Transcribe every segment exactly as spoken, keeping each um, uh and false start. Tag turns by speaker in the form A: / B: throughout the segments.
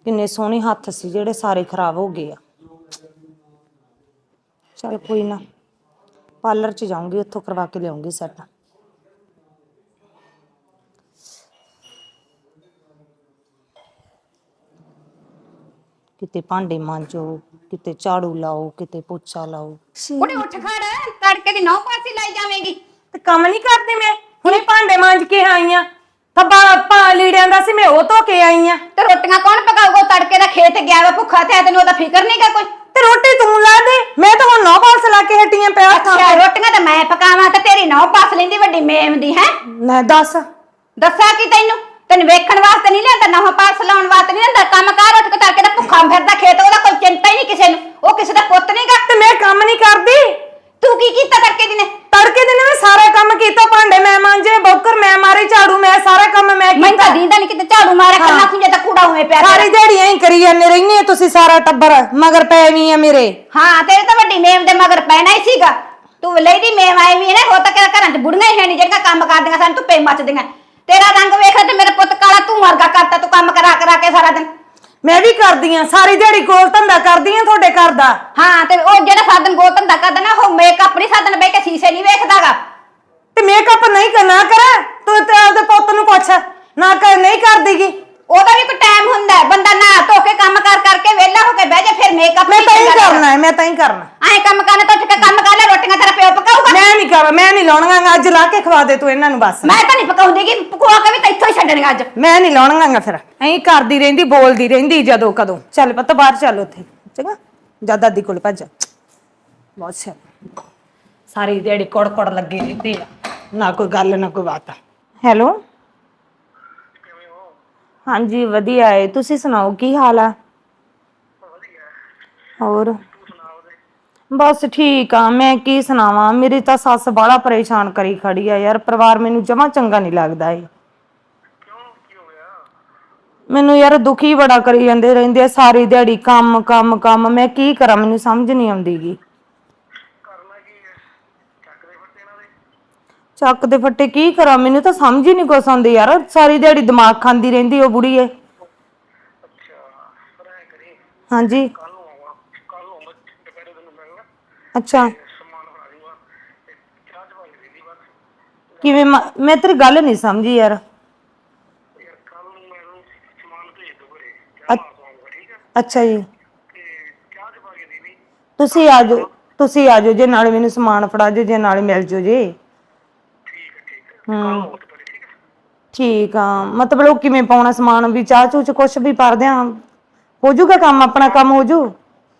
A: किन्ने सोहने हत्थ सी जेड़े सारे खराब हो गए। चल कोई ना, पार्लर च जाऊंगी, उत्थों करवा के लियाऊंगी सैट। किते भांडे मांजो, किते झाड़ू लाओ, किते पोछा लाओ।
B: कुड़े उठ खड़, तड़के दी नौ पासी लाई जावेंगी।
A: ते काम नहीं करदी मैं, हुणे भांडे मांज के आई हां। थब्बा पा लीड़ियां दा सी मैं ओ धो के आई हां।
B: ते रोटियां कौन पकाऊगा? तड़के दा खेत गया वा भुखा ते तैनूं ओदा फिकर नहीं गा कोई।
A: ते रोटी तू ला दे, मैं तो हुण नौ पास ला के हट्टियां पिया था।
B: अच्छा रोटियां ते मैं पकावां ते तेरी नौ पास लैंदी वड्डी मेम दी है।
A: मैं दस
B: दस्सा की तैनूं तैनूं वेखण वास्ते नहीं लिआंदा, नौ पास लाउण वास्ते नहीं लिआंदा। काम कार उठ के तड़के दा भुखा फिरदा खेत, ओदा कोई चिंता ही नहीं किसे नूं। ओ किसे दा पुੱਤ नहीं गा।
A: ते मैं काम नहीं करदी।
B: तू की कीता तड़के दी ने?
A: तड़के दिन मैं सारा काम कीता, भांडे मैं मांजे, बौकर मैं मारी, झाड़ू मैं, सारा काम मैं
B: मैं
A: कीता।
B: ਤਾਂ ਦੀਂਦਾ ਨਹੀਂ ਕਿਤੇ ਝਾੜੂ ਮਾਰਿਆ ਕਰਨਾ ਖੁੰਝੇ ਤਾਂ ਕੂੜਾ ਹੋਏ ਪਿਆ।
A: सारी दिहाड़ी ही करी जाने रहनी तुसी, सारा टब्बर मगर पै वी है मेरे।
B: ਹਾਂ ਤੇਰੇ ਤਾਂ ਵੱਡੀ ਮੇਮ ਦੇ ਮਗਰ ਪੈਣਾ ਹੀ ਸੀਗਾ। ਤੂੰ ਲੈਦੀ ਮੇਮ ਆਈ ਵੀ ਨੇ, ਹੋ ਤਾਂ ਕਿਹੜਾ ਘਰਾਂ 'ਚ ਬੁੜੀਆਂ ਹੀ ਹੈ ਨਹੀਂ ਜਿਹੜੀਆਂ ਕੰਮ ਕਰਦੀਆਂ ਸਾਨੂੰ ਧੁੱਪੇ ਮੱਚਦੀਆਂ। ਤੇਰਾ ਰੰਗ ਵੇਖ ਤੇ ਮੇਰੇ ਪੁੱਤ ਕਾਲਾ ਤੂੰ ਵਰਗਾ ਕਰਤਾ, ਤੂੰ ਕੰਮ ਕਰਾ ਕਰਾ ਕੇ ਸਾਰਾ ਦਿਨ।
A: मैं भी करदी हां, सारी दिहाड़ी गोल धंधा करदी हां ਤੁਹਾਡੇ ਘਰ ਦਾ।
B: ਹਾਂ ਤੇ ਉਹ ਜਿਹੜਾ ਸਾਧਨ ਗੋਲ ਧੰਦਾ ਕਰਦਾ ਨਾ, ਉਹ ਮੇਕਅਪ ਨਹੀਂ ਸਾਧਨ ਬਹਿ ਕੇ ਸ਼ੀਸ਼ੇ ਨਹੀਂ ਵੇਖਦਾਗਾ।
A: ਤੇ ਮੇਕਅਪ ਨਹੀਂ ਕਰਨਾ ਕਰ ਤੂੰ, ਤੇ ਆਪਦੇ ਪੁੱਤ ਨੂੰ ਪੁੱਛ ਨਾ ਕਰ, ਨਹੀਂ ਕਰਦੀਗੀ।
B: ਉਹਦਾ ਵੀ ਕੋਈ ਟਾਈਮ ਹੁੰਦਾ, ਬੰਦਾ ਨਾ ਧੋ ਕੇ ਕੰਮ ਕਰ ਕਰਕੇ ਵਿਹਲਾ ਹੋ ਕੇ ਬਹਿ ਜਾ, ਫਿਰ ਮੇਕਅਪ
A: ਮੈਂ ਤਾਂ ਹੀ ਕਰਨਾ ਹੈ, ਮੈਂ ਤਾਂ ਹੀ ਕਰਨਾ।
B: ਐਂ ਕੰਮ ਕਰਨਾ ਤਾਂ ਉੱਠ ਕੇ ਕੰਮ ਕਰ ਲੈ, ਰੋਟੀਆਂ ਤੇਰਾ ਪਿਓ ਪਕਾਊਗਾ।
A: ਮੈਂ ਨਹੀਂ ਕਰ, ਮੈਂ ਨਹੀਂ ਲਾਉਣੀਆਂ, ਅੱਜ ਲਾ ਕੇ ਖਵਾ ਦੇ ਤੂੰ ਇਹਨਾਂ ਨੂੰ ਬਸ।
B: ਮੈਂ ਤਾਂ ਨਹੀਂ ਪਕਾਉਂਦੀ ਕਿ ਪਕਵਾ ਕੇ ਵੀ ਤਾਂ ਇੱਥੋਂ ਹੀ ਛੱਡਣੀਆਂ ਅੱਜ।
A: ਮੈਂ ਨਹੀਂ ਲਾਉਣੀਆਂ, ਫਿਰ ਐਂ ਕਰਦੀ ਰਹਿੰਦੀ, ਬੋਲਦੀ ਰਹਿੰਦੀ ਜਦੋਂ ਕਦੋਂ। ਚੱਲ ਪੁੱਤ ਬਾਹਰ ਚੱਲ, ਉੱਥੇ ਚੰਗਾ ਜਾ ਦਾਦੀ ਕੋਲ ਭੱਜ। ਬਹੁਤ ਸਿਆਣੀ, ਸਾਰੀ ਦਿਹਾੜੀ ਕੋੜ ਕੋੜ ਲੱਗੇ ਰਹਿੰਦੇ ਆ, ਨਾ ਕੋਈ ਗੱਲ ਨਾ ਕੋਈ ਬਾਤ। ਹੈਲੋ ਹਾਂਜੀ ਵਧੀਆ ਹੈ, ਤੁਸੀਂ ਸੁਣਾਓ ਕੀ ਹਾਲ ਆ? ਹੋਰ ਬਸ ਠੀਕ ਆ, ਮੈਂ ਕੀ ਸੁਣਾਵਾਂ, ਮੇਰੀ ਤਾਂ ਸੱਸ ਬਾਹਲਾ ਪਰੇਸ਼ਾਨ ਕਰੀ ਖੜੀ ਆ ਯਾਰ। ਪਰਿਵਾਰ ਮੈਨੂੰ ਜਮਾਂ ਚੰਗਾ ਨਹੀਂ ਲੱਗਦਾ ਏ। ਮੈਨੂੰ ਯਾਰ ਦੁਖੀ ਬੜਾ ਕਰੀ ਜਾਂਦੇ ਰਹਿੰਦੇ ਆ, ਸਾਰੀ ਦਿਹਾੜੀ ਕੰਮ ਕੰਮ ਕੰਮ। ਮੈਂ ਕੀ ਕਰਾਂ, ਮੈਨੂੰ ਸਮਝ ਨਹੀਂ ਆਉਂਦੀ ਗੀ। ਚੱਕ ਦੇ ਫੱਟੇ ਕੀ ਕਰਾਂ, ਮੈਨੂੰ ਤਾਂ ਸਮਝ ਹੀ ਨਹੀਂ ਕੁਛ ਆਉਂਦੀ ਯਾਰ। ਸਾਰੀ ਦਿਹਾੜੀ ਦਿਮਾਗ ਖਾਂਦੀ ਰਹਿੰਦੀ ਉਹ ਬੁੜੀ ਏ। ਹਾਂਜੀ ਅੱਛਾ ਕਿਵੇਂ? ਮੈਂ ਤੇਰੀ ਗੱਲ ਨਹੀਂ ਸਮਝੀ ਯਾਰ। ਅੱਛਾ ਜੀ, ਤੁਸੀਂ ਆ ਜਾਓ, ਤੁਸੀਂ ਆ ਜਾਓ ਜੇ, ਨਾਲੇ ਮੈਨੂੰ ਸਮਾਨ ਫੜਾ ਜਾਓ ਜੇ, ਨਾਲੇ ਮਿਲ ਜਾਓ ਜੇ। ਹਮ ਠੀਕ ਆ, ਮਤਲਬ ਉਹ ਕਿਵੇਂ ਪਾਉਣਾ ਸਮਾਨ, ਵੀ ਚਾਹ ਚੂਹ ਚ ਕੁਛ ਵੀ ਪਾ ਦਿਆਂ, ਹੋ ਜਾਊਗਾ ਕੰਮ, ਆਪਣਾ ਕੰਮ ਹੋ ਜੂ।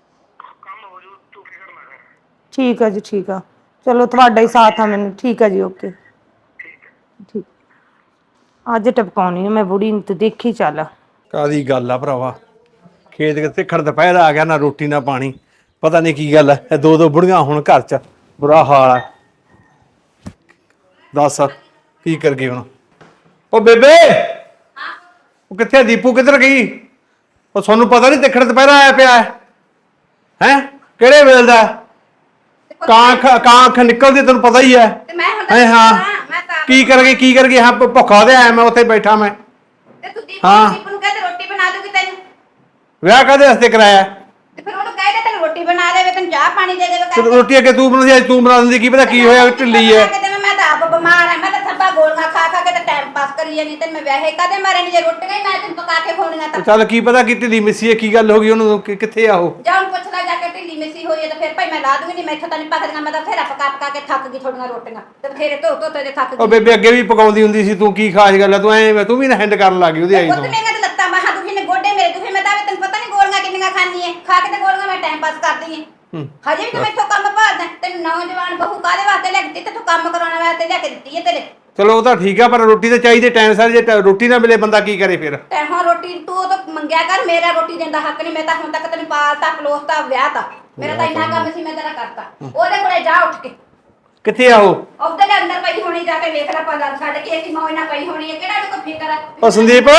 A: ਠੀਕ ਆ ਜੀ, ਠੀਕ ਆ, ਚਲੋ ਤੁਹਾਡਾ ਹੀ ਸਾਥ ਆ ਮੈਨੂੰ। ਠੀਕ ਆ ਜੀ, ਓਕੇ ਠੀਕ। ਅੱਜ ਟਪਕਾਉਣੀ ਮੈਂ ਬੁੜੀ ਨੂੰ, ਤੇ ਦੇਖੀ ਚੱਲ।
C: ਕਾਦੀ ਗੱਲ ਆ ਭਰਾਵਾ, ਖੇਤ ਕਿਤੇ ਖੜ ਦੁਪਹਿਰ ਆ ਗਿਆ, ਨਾ ਰੋਟੀ ਨਾ ਪਾਣੀ, ਪਤਾ ਨਹੀਂ ਕੀ ਗੱਲ ਹੈ। ਦੋ ਦੋ ਬੁੜੀਆਂ ਹੁਣ ਘਰ ਚ, ਬੁਰਾ ਹਾਲ ਆ। ਦੱਸ ਕੀ ਕਰ ਗਈ ਹੁਣ? ਉਹ ਬੇਬੇ, ਉਹ ਕਿੱਥੇ? ਦੀਪੂ ਕਿੱਧਰ ਗਈ? ਉਹ ਤੁਹਾਨੂੰ ਪਤਾ ਨਹੀਂ ਤਿੱਖੜ ਦੁਪਹਿਰਾ ਆਇਆ ਪਿਆ ਹੈ? ਹੈ ਕਿਹੜੇ ਵੇਲੇ ਦਾ? ਕਾਂ ਕਾਂ ਅੱਖ ਨਿਕਲਦੀ, ਤੈਨੂੰ ਪਤਾ ਹੀ ਹੈ। ਹੈ ਹਾਂ, ਕੀ ਕਰ ਗਈ ਕੀ ਕਰ ਗਈ? ਹਾਂ ਭੁੱਖਾ ਦੇ ਆਇਆ ਮੈਂ, ਉੱਥੇ ਬੈਠਾ ਮੈਂ। ਹਾਂ
B: ਰੋਟੀ ਬਣਾ ਦੂਗੀ ਤੈਨੂੰ।
C: ਵਿਆਹ ਕਾਹਦੇ ਵਾਸਤੇ ਕਰਾਇਆ?
B: ਤੇ ਫਿਰ ਉਹਨੂੰ ਕਹਿ ਦੇ ਤੈਨੂੰ ਰੋਟੀ ਬਣਾ ਦੇਵੇ, ਤੈਨੂੰ ਚਾਹ ਪਾਣੀ ਦੇ ਦੇਵੇ।
C: ਰੋਟੀ ਅੱਗੇ ਤੂੰ ਬਣਾਉਂਦੀ, ਅੱਜ ਤੂੰ ਬਣਾ ਦਿੰਦੀ, ਕੀ ਪਤਾ ਕੀ ਹੋਇਆ, ਢਿੱਲੀ ਹੈ।
B: ਮੈਂ ਤਾਂ ਆਪ ਬਿਮਾਰ ਆ, ਮੈਂ ਤਾਂ ਥੱਬਾ ਗੋਲੀਆਂ ਖਾ ਖਾ ਕੇ ਤਾਂ ਟਾਈਮ ਪਾਸ ਕਰੀ ਜਾਂਦੀ। ਤੇ ਮੈਂ ਵਿਆਹੇ ਕਾਦੇ ਮਾਰੇ ਨਹੀਂ, ਜੇ ਰੋਟੀਆਂ ਹੀ ਮੈਂ ਤੈਨੂੰ ਪਕਾ ਕੇ ਖਵਾਉਣੀਆਂ ਤਾਂ।
C: ਚੱਲ ਕੀ ਪਤਾ ਕਿ ਢਿੱਲੀ ਮਿੱਸੀ ਹੈ, ਕੀ ਗੱਲ ਹੋ ਗਈ ਉਹਨੂੰ, ਕਿੱਥੇ ਆ ਉਹ?
B: ਜਾ ਉਹਨੂੰ ਪੁੱਛ ਲੈ ਜਾ ਕੇ, ਢਿੱਲੀ ਮਿੱਸੀ ਹੋਈ ਹੈ ਤਾਂ ਫਿਰ ਭਾਈ ਮੈਂ ਲਾ ਦੂੰਗੀ। ਨਹੀਂ ਮੈਥੋਂ ਤਾਂ ਨਹੀਂ ਪਕਦੀਆਂ, ਮੈਂ ਤਾਂ ਫੇਰ ਪਕਾ ਪਕਾ ਕੇ ਥੱਕ ਗਈ ਥੋੜੀਆਂ ਰੋਟੀਆਂ, ਤੇ ਫੇਰ ਧੋ ਧੋ ਤੇ ਥੱਕ ਗਈ।
C: ਉਹ ਬੇਬੇ ਅੱਗੇ ਵੀ ਪਕਾਉਂਦੀ ਹੁੰਦੀ ਸੀ, ਤੂੰ ਕੀ ਖਾਸ ਗੱਲ ਹੈ, ਤੂੰ ਐ ਤੂੰ ਵੀ ਨਾ ਹੈਂਡ ਕਰਨ ਲੱਗ ਗਈ ਉਹਦੀ ਆਈ ਤੋਂ।
B: ਪੁੱਤ ਮੇਰੀਆਂ ਤੇ ਲੱਤਾਂ ਬਾਹਾਂ ਦੁਖੀ ਨੇ, ਗੋਡੇ ਮੇਰੇ ਦੁਖੀ, ਮੈਂ ਤਾਂ ਤੈਨੂੰ ਪਤਾ ਨਹੀਂ ਗੋਲੀਆਂ ਕਿੰਨੀਆਂ ਖਾਂਦੀ ਐ, ਖਾ ਕੇ ਤੇ ਗੋਲੀਆਂ ਮੈਂ ਟਾਈਮ ਪਾਸ ਕਰਦੀ ਐ। ਹਜੇ ਵੀ ਤੂੰ ਮੈਥੋਂ ਕੰਮ ਭਾਲਦਾ। ਤੈਨੂੰ ਨੌਜਵਾਨ ਬਹੂ ਕਾਹਦੇ ਵਾਸਤੇ ਲੈ ਕੇ ਦਿੱਤੀ? ਤੂੰ ਕੰਮ ਕਰਾਉਣ ਵਾਸਤੇ ਲੈ ਕੇ ਦਿੱਤੀ ਐ ਤੇਰੇ।
C: ਚਲੋ ਉਹ ਤਾਂ ਠੀਕ ਆ, ਪਰ ਰੋਟੀ ਤਾਂ ਚਾਹੀਦੀ ਟਾਈਮ ਸਾਰ। ਜੇ ਰੋਟੀ ਨਾ ਮਿਲੇ ਬੰਦਾ ਕੀ ਕਰੇ ਫਿਰ?
B: ਤੇ ਹੁਣ ਰੋਟੀ ਤੂੰ ਉਹ ਤਾਂ ਮੰਗਿਆ ਕਰ, ਮੇਰਾ ਰੋਟੀ ਦੇਣ ਦਾ ਹੱਕ ਨਹੀਂ। ਮੈਂ ਤਾਂ ਹੁਣ ਤੱਕ ਤੈਨੂੰ ਪਾਲਤਾ ਪਲੋਸਤਾ ਵਿਆਹ ਤਾ, ਮੇਰਾ ਤਾਂ ਇੰਨਾ ਕੰਮ ਸੀ ਮੈਂ ਤੇਰਾ ਕਰਤਾ। ਉਹਦੇ ਕੋਲੇ ਜਾ ਉੱਠ ਕੇ।
C: ਕਿੱਥੇ ਆ ਉਹ?
B: ਉਹਦੇ ਦੇ ਅੰਦਰ ਪਈ ਹੋਣੀ, ਜਾ ਕੇ ਵੇਖ ਲੈ ਪਾ ਛੱਡ ਕੇ ਅਸੀਂ ਮੌਜ ਨਾਲ ਪਈ ਹੋਣੀ ਹੈ। ਕਿਹੜਾ ਨੂੰ ਕੋਈ ਫਿਕਰ ਹੈ?
C: ਉਹ ਸੰਦੀਪ,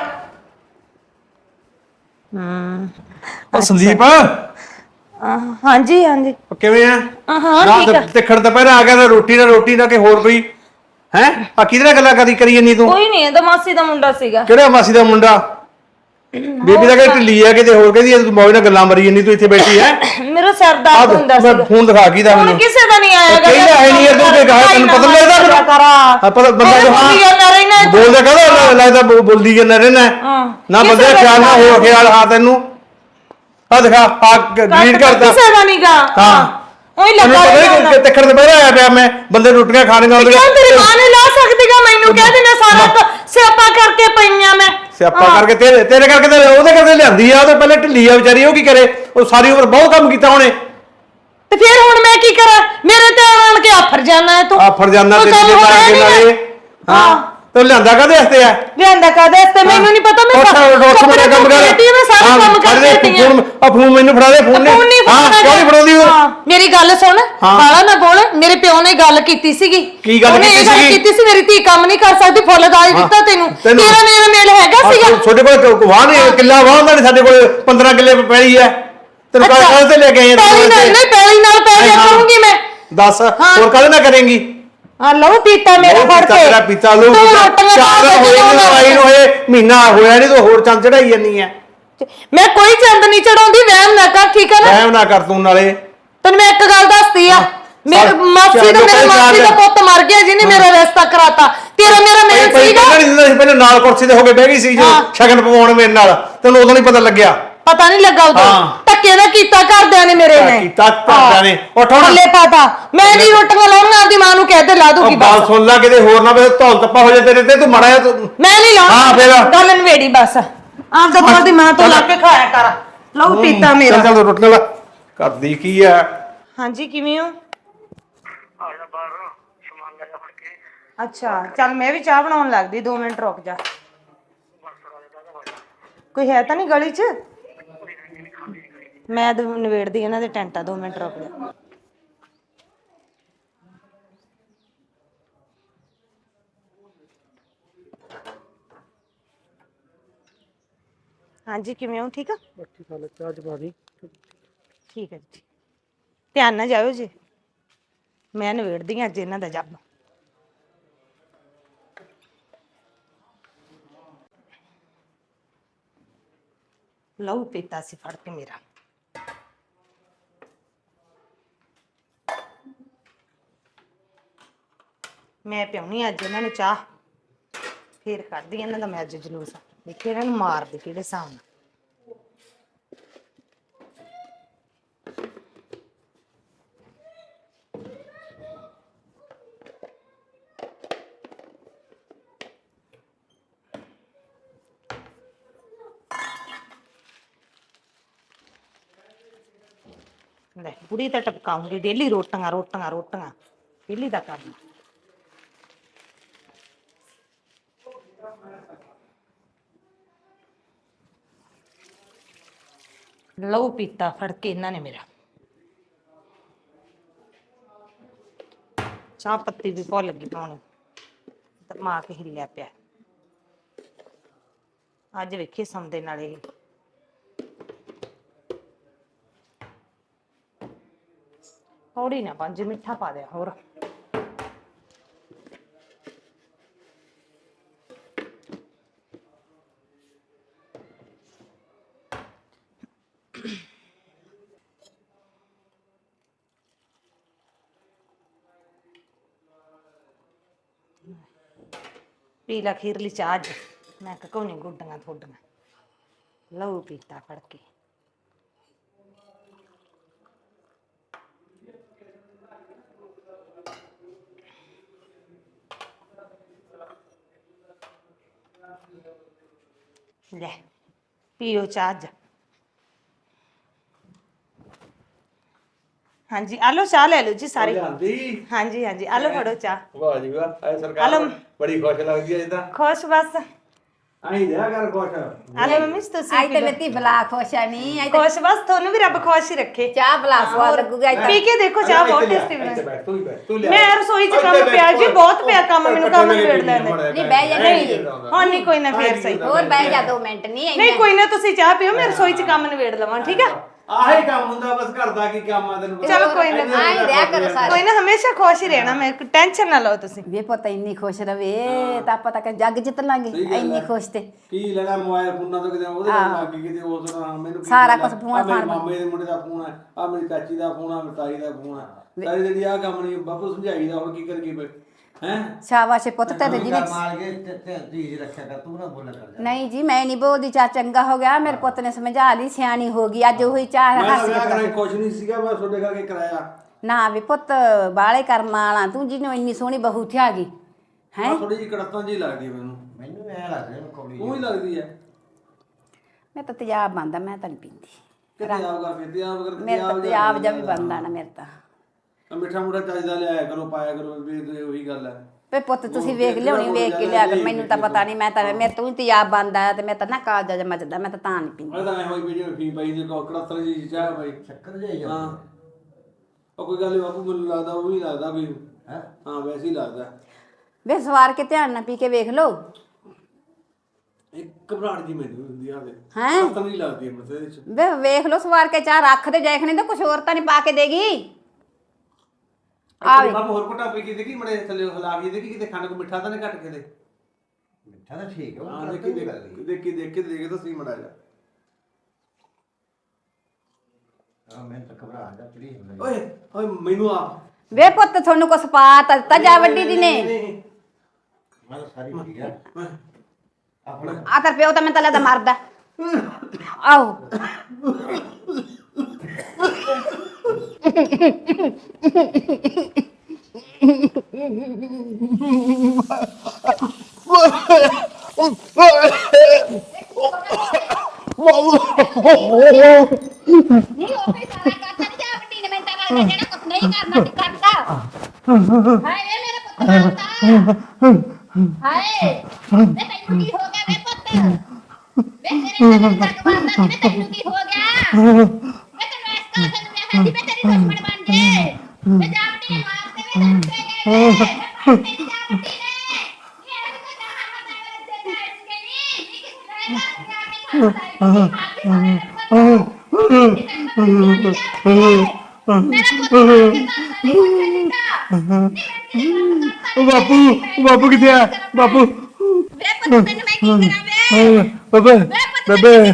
A: ਹਮ
C: ਉਹ ਸੰਦੀਪ
A: ਹਾਂਜੀ ਹਾਂਜੀ
C: ਕਿਵੇਂ ਆ?
A: ਹਾਂ ਠੀਕ ਆ।
C: ਤੇ ਖੜ ਦੁਪਹਿਰਾ ਆ ਗਿਆ ਤਾਂ ਰੋਟੀ ਨਾ ਰੋਟੀ ਨਾ ਕਿ ਹੋਰ ਕੋਈ ਹੈ? ਆ ਕਿਹਦੇ ਨਾਲ ਗੱਲਾਂ ਕਰੀ ਕਰੀ ਜੰਨੀ ਤੂੰ?
A: ਕੋਈ ਨਹੀਂ, ਇਹਦਾ ਮਾਸੀ ਦਾ ਮੁੰਡਾ ਸੀਗਾ।
C: ਕਿਹੜਾ ਮਾਸੀ ਦਾ ਮੁੰਡਾ? ਬੇਬੀ ਦਾ ਕਹਿੰਦੀ ਢਿੱਲੀ ਆ ਕਿਤੇ ਹੋਰ ਕਹਿੰਦੀ ਤੂੰ ਮੌਜ ਨਾਲ ਗੱਲਾਂ ਮਰੀ ਜਾਂਦੀ ਤੂੰ ਇੱਥੇ ਬੈਠੀ ਹੈ
A: ਮੇਰਾ ਸਿਰ ਦਰਦ ਹੁੰਦਾ
C: ਮੈਂ
A: ਸੀ
C: ਫੋਨ ਦਿਖਾ ਕੀ ਦਾ
A: ਹੁਣ
C: ਮੈਨੂੰ
A: ਕਿਸੇ ਦਾ ਨਹੀਂ ਆਇਆ
C: ਕਹਿੰਦਾ ਹੈ ਨਹੀਂ ਇਧਰ ਤੇ ਕਹਾ ਤੈਨੂੰ ਪਤਾ ਲੱਗਦਾ ਮੈਨੂੰ ਹਾਂ ਪਤਾ ਬੰਦਾ ਜੋ ਹਾਂ ਬੋਲਦਾ ਕਹਿੰਦਾ ਲੱਗਦਾ ਬੋ- ਬੋਲਦੀ ਜਾਂਦਾ ਰਹਿਣਾ ਨਾ ਬੰਦੇ ਦਾ ਖਿਆਲ ਨਾ ਹੋ ਖਿਆਲ ਹਾਂ ਤੈਨੂੰ ਆ ਦਿਖਾ ਆ ਗ੍ਰੀਟ ਕਰਦਾ
A: ਕਿਸੇ ਦਾ ਨਹੀਂਗਾ
C: ਹਾਂ
A: ਉਹੀ
C: ਤੈਨੂੰ
A: ਲੱਗਾ
C: ਪਤਾ ਨਹੀਂ ਕਿ ਤਿੱਖੜ ਤੇ ਬਹਿ ਆਇਆ ਪਿਆ ਮੈਂ ਬੰਦੇ ਰੋਟੀਆਂ ਖਾਣੀਆਂ ਉਹਦੇ
A: ਕਿਉਂ ਤੇਰੀ ਮਾਂ ਨੇ ਲਾ ਸਕਦੀਗਾ ਮੈਨੂੰ ਕਹਿ ਦੇਣਾ ਸਾਰਾ ਕ- ਸਿਆਪਾ ਕਰਕੇ ਪਈਆਂ ਮੈਂ
C: ਸਿਆਪਾ ਕਰਕੇ ਤੇਰੇ ਤੇਰੇ ਕਰਕੇ ਤੇ ਉਹਦੇ ਕਰਕੇ ਲਿਆਂਦੀ ਆ ਉਹ ਤਾਂ ਪਹਿਲੇ ਢਿੱਲੀ ਆ ਵਿਚਾਰੀ ਉਹ ਕੀ ਕਰੇ ਉਹ ਸਾਰੀ ਉਮਰ ਬਹੁਤ ਕੰਮ ਕੀਤਾ ਉਹਨੇ
A: ਤੇ ਫਿਰ ਹੁਣ ਮੈਂ ਕੀ ਕਰਾਂ ਮੇਰੇ ਤੇ ਆਣ ਕੇ ਆਫਰ ਜਾਣਾ ਹੈ ਤੂੰ
C: ਆਫਰ ਜਾਨਾ
A: ਕੋਈ
C: ਤੇ
A: ਕੰਮ
C: ਜਿੱਦਾਂ
A: ਹੋਇਆ
C: ਕੇ
A: ਨੀ
C: ਨਾਲੇ
A: ਹਾਂ।
C: ਹਾਂ ਤੇ ਲਿਆਂਦਾ ਕਾਹਦੇ ਵਾਸਤੇ ਆ
A: ਲਿਆਂਦਾ ਕਾਦੇ ਤੇ ਮੈਨੂੰ ਨਹੀਂ ਪਤਾ ਮੈਂ
C: ਉੱਠ ਉੱਠ ਮੇਰਾ ਕੰਮ ਕਰ
A: ਮੈਂ ਸਾਰਾ ਕੰਮ ਕਰ ਦਿੱਤੀ
C: ਫੋਨ ਆ ਫੋਨ ਮੈਨੂੰ ਫੜਾ ਦੇ ਫੋਨ ਨੇ
A: ਫੋਨ ਨਹੀਂ
C: ਹਾਂ ਕਿਉਂ ਨਹੀਂ ਫੜਾਉਂਦੀ ਉਹ
A: ਹਾਂ ਮੇਰੀ ਗੱਲ ਸੁਣ
C: ਹਾਂ।
A: ਬਾਲਾ ਨਾ ਬੋਲ ਮੇਰੇ ਪਿਓ ਨੇ ਗੱਲ ਕੀਤੀ ਸੀਗੀ
C: ਕੀ ਗੱਲ
A: ਉਹਨੇ
C: ਕੀਤੀ
A: ਇਹ ਗੱਲ
C: ਸੀਗੀ?
A: ਕੀਤੀ ਸੀ ਮੇਰੀ ਧੀ ਕੰਮ ਨਹੀਂ ਕਰ ਸਕਦੀ ਫੁੱਲ ਦਾਜ
C: ਹਾਂ।
A: ਦਿੱਤਾ ਤੈਨੂੰ
C: ਤੈਨੂੰ-
A: ਤੇਰਾ ਮੇਰਾ ਮੇਲ ਹੈਗਾ ਸੀਗਾ
C: ਤੁਹਾਡੇ ਕੋਲ ਵਾਹ ਨਹੀਂ ਕਿੱਲਾ ਵਾਹ ਹੁੰਦਾ ਨਹੀਂ ਸਾਡੇ ਕੋਲ ਪੰਦਰਾਂ ਕਿੱਲੇ ਪੈਲੀ ਹੈ ਤੈਨੂੰ ਕਾਹ ਕਾਹ ਤੇ ਲੈ ਕੇ ਆਏ
A: ਪੈਲੀ ਨਾਲ ਨਹੀਂ ਪੈਲੀ ਨਾਲ ਪੈ ਜਾ ਕਰੂੰਗੀ ਮੈਂ
C: ਦੱਸ ਹੋਰ ਕਾਹਦੇ ਨਾਲ ਕਰੇਂਗੀ
A: ਆ ਲਓ ਪੀਤਾ ਮੇਰਾ ਫੜ ਕੇ
C: ਤੇਰਾ ਪੀਤਾ ਲੂ
A: ਤੂੰ ਰੋਟੀਆਂ
C: ਚਾਰ
A: ਖਾ ਕੇ
C: ਹੋਏ
A: ਜਦੋਂ
C: ਨੂੰ ਆਈ ਨੂੰ ਹੋਏ ਮਹੀਨਾ ਹੋਇਆ ਨਹੀਂ ਤੂੰ ਹੋਰ ਚੰਦ ਚੜਾਈ ਜਾਂਦੀ ਹੈ
A: ਮੈਂ ਕੋਈ ਚੰਦ ਨਹੀਂ ਚੜਾਉਂਦੀ ਵਹਿਮ ਨਾ ਕਰ ਠੀਕ ਹੈ ਨਾ
C: ਐਵੇਂ ਨਾ ਕਰ ਤੂੰ ਨਾਲੇ
A: ਤੈਨੂੰ ਮੈਂ ਇੱਕ ਗੱਲ ਦੱਸਦੀ ਆ ਮੇਰੇ
C: ਚੱਲ,
A: ਮਾਸੀ
C: ਚੱਲ
A: ਦਾ ਮੇਰੇ
C: ਚੱਲ,
A: ਮਾਸੀ ਦਾ
C: ਚੱਲ।
A: ਪੁੱਤ ਮਰ ਗਿਆ ਜਿਹਨੇ ਮੇਰਾ ਰਿਸ਼ਤਾ ਕਰਾਤਾ ਤੇਰਾ ਮੇਰਾ ਮੇਲ
C: ਪਹਿਲਾਂ
A: ਸੀਗਾ
C: ਨਹੀਂ ਦਿੰਦਾ ਸੀ ਪਹਿਲਾਂ ਨਾਲ ਕੁਰਸੀ ਤੇ ਹੋ ਕੇ ਬਹਿ ਗਈ ਸੀ ਜਦੋਂ
A: ਹਾਂ।
C: ਸ਼ਗਨ ਪਵਾਉਣ ਮੇਰੇ ਨਾਲ ਤੈਨੂੰ ਉਦੋਂ ਨਹੀਂ ਪਤਾ ਲੱਗਿਆ
A: ਪਤਾ ਨਹੀਂ ਲੱਗਾ ਉਦੋਂ
C: ਹਾਂ।
A: ਧੱਕੇ ਦਾ ਕੀਤਾ ਘਰਦਿਆਂ ਨੇ ਮੇਰੇ ਨੇ
C: ਕੀਤਾ ਘਰਦਿਆਂ ਨੇ। ਉੱਠ ਹੁਣ।
A: ਥੱਲੇ ਪਾਤਾ ਮੈਂ ਨਹੀਂ ਰੋਟੀਆਂ ਲਾਉਣੀਆਂ ਆਪਦੀ ਮਾਂ ਨੂੰ ਕਹਿ ਦੇ ਲਾ ਦੂਗੀ
C: ਉਹ ਗੱਲ
A: ਬਸ
C: ਸੁਣ ਲੈ ਕਿਤੇ ਹੋਰ ਨਾ ਵੇ ਧੌਲ ਤੱਪਾ ਹੋ ਜਾ ਤੇਰੇ ਤੇ ਤੂੰ ਮੜਾ ਜਾ ਤੂੰ
A: ਮੈਂ ਨਹੀਂ ਲਾਉਣਾ
C: ਹਾਂ, ਫਿਰ?
A: ਗੱਲ ਨਵੇੜੀ ਬਸ ਆਪਦਾ ਕੋਲ ਦੀ ਮਾਂ ਤੋਂ ਲਾ ਕੇ ਖਾਇਆ ਕਰ ਲਹੂ ਪੀਤਾ ਮੇਰਾ
C: ਚੱਲ ਚੱਲ ਰੋਟੀਆਂ ਲਾ ਕਰਦੀ ਕੀ ਆ
A: ਹਾਂਜੀ ਕਿਵੇਂ ਹੋ ਅੱਛਾ ਚੱਲ ਮੈਂ ਵੀ ਚਾਹ ਬਣਾਉਣ ਲੱਗਦੀ ਦੋ ਮਿੰਟ ਰੁਕ ਜਾ ਕੋਈ ਹੈ ਤਾਂ ਨਹੀਂ ਗਲੀ 'ਚ ਮੈਂ ਦ- ਨਵੇੜਦੀ ਇਹਨਾਂ ਦੇ ਟੈਂਟਾ ਦੋ ਮਿੰਟ ਰੁਕ ਜਾ ਹਾਂਜੀ ਕਿਵੇਂ ਹੋ ਠੀਕ ਆ ਠੀਕ ਹੈ ਜੀ ਧਿਆਨ ਨਾਲ ਜਾਇਓ ਜੀ ਮੈਂ ਨਵੇੜਦੀ ਹਾਂ ਅੱਜ ਇਹਨਾਂ ਦਾ ਜੱਬ ਲਹੂ ਪੀਤਾ ਸੀ ਫੜ ਕੇ ਮੇਰਾ ਮੈਂ ਪਿਉਣੀ ਅੱਜ ਇਹਨਾਂ ਨੂੰ ਚਾਹ ਫੇਰ ਕੱਢਦੀ ਇਹਨਾਂ ਦਾ ਮੈਂ ਅੱਜ ਜਲੂਸ ਦੇਖੇ ਇਹਨਾਂ ਨੂੰ ਮਾਰਦੀ ਕਿਹੜੇ ਹਿਸਾਬ ਨਾਲ ਲੈ ਬੁੜੀ ਤਾਂ ਟਪਕਾਉਂਗੀ ਡੇਲੀ ਰੋਟੀਆਂ ਰੋਟੀਆਂ ਰੋਟੀਆਂ ਡੇਲੀ ਦਾ ਕੰਮ ਲਹੂ ਪੀਤਾ ਫੜ ਕੇ ਇਹਨਾਂ ਨੇ ਮੇਰਾ ਚਾਹ ਪੱਤੀ ਵੀ ਭੁੱਲ ਗਈ ਪਾਉਣੀ ਦਿਮਾਗ ਹਿੱਲਿਆ ਪਿਆ ਅੱਜ ਵੇਖੀ ਸਮਦੇ ਨਾਲ ਇਹ ਥੋੜੀ ਨਾ ਪੰਜ ਮਿੱਠਾ ਪਾ ਦਿਆ ਹੋਰ ਪੀ ਲਾ ਖੀਰਲੀ ਚਾਹ ਅੱਜ ਮੈਂ ਕਹੂੰ ਨਹੀਂ ਗੁੱਡੀਆਂ ਥੋਡੀਆਂ ਲਹੂ ਪੀਤਾ ਫੜ ਕੇ ਲੈ ਪੀਓ ਚਾਹ ਅੱਜ ਹਾਂਜੀ ਆਲੋ ਚਾਹ ਲੈ ਲਓ ਜੀ ਸਾਰੀ
C: ਜਾਂਦੀ
A: ਹਾਂਜੀ ਹਾਂਜੀ ਆਲੋ ਫੜੋ ਚਾਹ
C: ਵਾਹ ਜੀ ਵਾਹ ਐ ਸਰਕਾਰ
A: ਆਲਮ।
C: ਬੜੀ ਖੁਸ਼ ਲੱਗਦੀ ਐ ਇਦਾਂ
A: ਖੁਸ਼ ਬਸ
C: ਆਈ ਦਿਆ ਕਰ ਖੁਸ਼
A: ਆਲੋ ਮੰਮੀ ਤੁਸੀਂ
B: ਆਈ
A: ਪੀ
B: ਤੇ
A: ਲਓ।
B: ਲੱਤੀ ਬਲਾ ਖੁਸ਼ ਆ ਨਹੀਂ ਆਈ ਤੇ
A: ਖੁਸ਼ ਬਸ ਤੁਹਾਨੂੰ ਵੀ ਰੱਬ ਖੁਸ਼ ਹੀ ਰੱਖੇ
B: ਚਾਹ ਬਲਾ ਸਵਾਦ ਲੱਗੂਗਾ ਇੱਥੇ
A: ਪੀ ਕੇ ਦੇਖੋ ਚਾਹ ਬਹੁਤ ਟੇਸਟੀ
C: ਇੱਥੇ
A: ਬਣੀ
C: ਬੈਠ ਤੂੰ ਹੀ ਬੈਠ ਤੂੰ ਲਿਆ
A: ਮੈਂ ਰਸੋਈ 'ਚ ਕੰਮ ਪਿਆ ਜੀ ਬਹੁਤ ਪਿਆ ਕੰਮ ਮੈਨੂੰ ਕੰਮ ਨਿਬੇੜ ਲੈਂਦੇ
B: ਨਹੀਂ ਬਹਿ ਜਾ ਨਹੀਂ
A: ਹਾਂ ਨਹੀਂ ਕੋਈ ਨਾ ਫੇਰ ਸਹੀ
B: ਹੋਰ ਬਹਿ ਜਾ ਦੋ ਮਿੰਟ ਨਹੀਂ
A: ਨਹੀਂ ਕੋਈ ਨਾ ਤੁਸੀਂ ਚਾਹ ਪੀਓ ਮੈਂ ਰਸੋਈ 'ਚ ਕੰਮ ਨਿਬੇੜ ਲਵਾਂ ਠੀਕ ਆ
C: ਆਹੀ ਕੰਮ ਹੁੰਦਾ ਬਸ ਘਰ ਦਾ ਕੀ ਕੰਮ ਆ ਤੈਨੂੰ
A: ਚਲੋ ਕੋਈ ਨਾ,
B: ਆਈ ਰਿਹਾ ਕਰੋ ਸਾਰੇ।
A: ਕੋਈ ਨਾ ਹਮੇਸ਼ਾ ਖੁਸ਼ ਹੀ ਰਹਿਣਾ, ਮੈਂ ਟੈਨਸ਼ਨ ਨਾ ਲਓ ਤੁਸੀਂ।
B: ਵੇ ਪੁੱਤ ਇੰਨੀ ਖੁਸ਼ ਰਵੇ ਤਾਂ ਆਪਾਂ ਤਾਂ ਜੱਗ ਜਿੱਤ ਲਾਂਗੇ ਇੰਨੀ ਖੁਸ਼ ਤੇ।
C: ਕੀ ਲੈਣਾ ਮੋਬਾਈਲ ਫੋਨਾਂ ਤੋਂ ਕਿਤੇ ਉਹਦੇ ਨਾਲ ਲੱਗ ਗਈ ਕਿਤੇ ਉਸ ਨਾਲ ਮੈਨੂੰ ਕੀ
B: ਸਾਰਾ
C: ਲੈਣਾ?
B: ਕੁਛ ਫੋਨ
C: ਆਹ ਮੇਰੇ
B: ਫਾਨ
C: ਮਾਮੇ ਦੇ ਮੁੰਡੇ ਦਾ ਫੋਨ ਹੈ, ਆ ਮੇਰੀ ਚਾਚੀ ਦਾ ਫੋਨ ਆ, ਮਤਾਈ ਦਾ ਫੋਨ ਆ, ਸਾਰੀ ਜਿਹੜੀ ਆ ਕੰਮ ਨਹੀਂ ਬਾਪੂ ਸਮਝਾਈਦਾ ਹੁਣ ਕੀ ਕਰੀਏ ਫਿਰ ਹੈ।
B: ਸ਼ਾਬਾਸ਼ ਏ ਪੁੱਤ ਤੇਰੇ ਜੀ ਨੇ।
D: ਮਾਰ ਕੇ ਤੇ ਤੇ ਧੀਜ ਰੱਖਿਆ ਕਰ, ਤੂੰ ਨਾ ਬੋਲਿਆ ਕਰ ਜਾ।
B: ਨਹੀਂ ਜੀ ਮੈਂ ਨਹੀਂ ਬੋਲਦੀ, ਚਾ ਚੰਗਾ ਹੋ ਗਿਆ ਮੇਰੇ ਪੁੱਤ ਨੇ ਸਮਝਾ ਲਈ, ਸਿਆਣੀ ਹੋ ਗਈ ਅੱਜ ਉਹੀ ਚਾਹ
C: ਮੈਂ ਤਾਂ
B: ਹੱਸ
C: ਵਿਆਹ
B: ਕੇ
C: ਕਰਾਈ ਕੁਛ ਨਹੀਂ ਸੀਗਾ, ਮੈਂ ਤੁਹਾਡੇ ਕਰਕੇ ਕਰਾਇਆ।
B: ਨਾ ਵੀ ਪੁੱਤ ਬਾਲੇ ਕਰਮਾਂ ਵਾਲਾ ਤੂੰ ਜਿਹਨੂੰ ਇੰਨੀ ਸੋਹਣੀ ਬਹੂ ਥਿਆ ਗਈ ਹੈ।
C: ਥੋੜੀ ਜਿਹੀ ਕੜਤਾਂ ਜਿਹੀ ਲੱਗਦੀ ਆ ਮੈਨੂੰ।
D: ਮੈਨੂੰ ਐ ਲੱਗਦਾ ਮੈਂ ਕੌੜੀ
C: ਉਹ ਹੀ ਲੱਗਦੀ ਹੈ
B: ਮੈਂ ਤਾਂ ਤਿਆਬ ਬੰਦਾ, ਮੈਂ ਤਾਂ ਨਹੀਂ ਪੀਂਦੀ।
C: ਕਿਤੇ ਆਪ ਕਰ ਫਿਰ ਤਿਆਬ ਕਰ
B: ਮੇਰੇ ਤਾਂ ਤਿਆਬ ਜਾ ਵੀ ਬੰਦਾ ਨਾ ਮੇਰੇ ਤਾਂ।
C: ਮਿੱਠਾ ਮੁੱਠਾ ਚਾਹੀਦਾ ਲਿਆਇਆ ਕਰੋ, ਪਾਇਆ ਕਰੋ, ਵੀ ਉਹੀ ਗੱਲ ਹੈ।
B: ਵੇ ਪੁੱਤ ਤੁਸੀਂ ਵੇਖ ਲਿਆਉਣੀ, ਵੇਖ ਕੇ ਲਿਆ ਕਰ, ਮੈਨੂੰ ਤਾਂ ਪਤਾ ਨਹੀਂ। ਮੈਂ ਤਾਂ ਮੇਰੇ ਤੋਂ ਹੀ ਤਿਆਬ ਬੰਦਾ ਤੇ ਮੈਂ ਤਾਂ ਨਾ ਕਾਲਜਾ ਜ ਮੱਚਦਾ, ਮੈਂ ਤਾਂ ਤਾਂ ਨਹੀਂ ਪੀਂਦੀ।
C: ਮੈਂ ਤਾਂ ਐ ਹੋਈ ਵੀਡੀਓ ਫੀ ਪਾਈ ਜੇ ਕੜਤਰ ਜੀ ਚਾਹ ਭਾਈ
D: ਚੱਕਰ ਜਾਈ
C: ਹਾਂ।
D: ਜਾਂਦਾ
C: ਉਹ ਕੋਈ ਗੱਲ ਨੀ ਬਾਪੂ, ਮੈਨੂੰ ਲੱਗਦਾ ਉਹ ਵੀ ਲੱਗਦਾ ਵੀ
D: ਹੈ।
C: ਹਾਂ ਵੈਸੇ ਹੀ ਲੱਗਦਾ।
B: ਵੇ ਸਵਾਰ ਕੇ ਧਿਆਨ ਨਾਲ ਪੀ ਕੇ ਵੇਖ ਲਓ।
C: ਇੱਕ ਘਬਰਾਹਟ ਜੀ ਮੈਨੂੰ ਹੁੰਦੀ ਆ ਤੇ
B: ਹੈਂ?
C: ਪਤਾ ਨਹੀਂ ਲੱਗਦੀ ਮੈਨੂੰ ਤੇ ਇਹਦੇ ਚ।
B: ਵੇ ਵੇਖ ਲਓ ਸਵਾਰ ਕੇ ਚਾਹ ਰੱਖ ਦੇ ਦੇਖਣੇ ਤਾਂ ਕੁਛ ਹੋਰ ਤਾਂ ਨਹੀਂ ਪਾ ਕੇ ਦੇਗੀ।
C: ਆ ਬਾਪੂ ਹੋਰ ਕੋਟਾ ਪੀ ਕੇ ਦੇਖੀ ਮੜੇ ਥੱਲੇ ਹਿਲਾ ਕੇ ਦੇਖੀ ਕਿਤੇ ਖੰਡ ਕੋ ਮਿੱਠਾ ਤਾਂ ਨਹੀਂ ਘਟ ਕੇ ਦੇ।
D: ਮਿੱਠਾ ਤਾਂ ਠੀਕ ਹੈ,
C: ਹਾਂ
D: ਉਹ
C: ਦੇਖੀ
D: ਦੇਖੀ
C: ਦੇਖੀ ਦੇਖੀ ਦੇਖ ਕੇ ਦੇਖ ਤਾਂ ਸਹੀ ਮੜਾ ਜਾ।
D: ਹਾਂ ਮੈਂ ਤਾਂ ਘਬਰਾ ਜਾ ਪਲੀਜ਼।
C: ਓਏ ਓਏ ਮੈਨੂੰ ਆ
B: ਵੇ ਪੁੱਤ ਤੁਹਾਨੂੰ ਕੁਛ ਪਾ ਤਾ ਦਿੱਤਾ ਜਾ ਵੱਡੀ ਦੀ ਨੇ।
D: ਮੈਂ ਤਾਂ ਸਾਰੀ ਠੀਕ ਹੈ ਆਪਣਾ।
B: ਆ ਤੇਰਾ ਪਿਓ ਤਾਂ ਮੈਨੂੰ ਤਾਂ ਲੱਗਦਾ ਮਰਦਾ। ਆਓ ਨਹੀਂ ਉਹ ਵੀ ਸਾਰਾ ਕਰਤਾ ਨਹੀਂ ਜਾ ਵੱਡੀ ਨੇ ਮੈਂ ਤਾਂ ਗੱਲ ਜਿਹੜਾ ਕੁਛ ਨਹੀਂ ਕਰਨਾ ਤੇ ਕਰਤਾ। ਹਾਏ ਵੇ ਮੇਰੇ ਪੁੱਤ ਮਾਰਦਾ। ਹਾਏ ਵੇ ਤੈਨੂੰ ਕੀ ਹੋ ਗਿਆ ਵੇ ਪੁੱਤ? ਵੇ ਤੇਰੇ ਨਾਲ ਤੱਕ ਮਾਰਦਾ ਸੀ, ਤੈਨੂੰ ਕੀ ਹੋ ਗਿਆ? ਵੇ ਤੈਨੂੰ ਇਸ ਕਾਲ ਨੂੰ ਮੈਂ ਹੱਦੀ ਵੇ ਤੇਰੀ ਦੁਸ਼ਮਣ ਬਣ ਜੇ। ਵੇ ਜਾ ਵੱਡੀ ਨੇ ਮਾਰ ਤੇ ਵੇ ਤੈਨੂੰ ਤੇ ਗਏ ਵੇ ਤੇਰੀ ਜਾ ਵੱਡੀ ਨੇ ਇਹ ਇਹਨੂੰ ਤਾਂ ਜਾਣਾ ਪਤਾ ਵੇ ਤੇ ਤੇ ਇਸਕੇ ਨਹੀਂ ਨਹੀਂ ਕਿਸੇ ਨੇ ਜਾ ਕੇ ਖਾਤਾ ਹੈ
C: ਉਹ ਬਾਪੂ ਉਹ ਬਾਪੂ ਕਿੱਥੇ ਆ ਬਾਪੂ?
B: ਵੇ ਪੁੱਤ ਮੈਨੂੰ ਮੈਂ ਕੀ ਕਰਾਂ ਵੇ?
C: ਬੇਬੇ ਬੇਬੇ
B: ਵੇ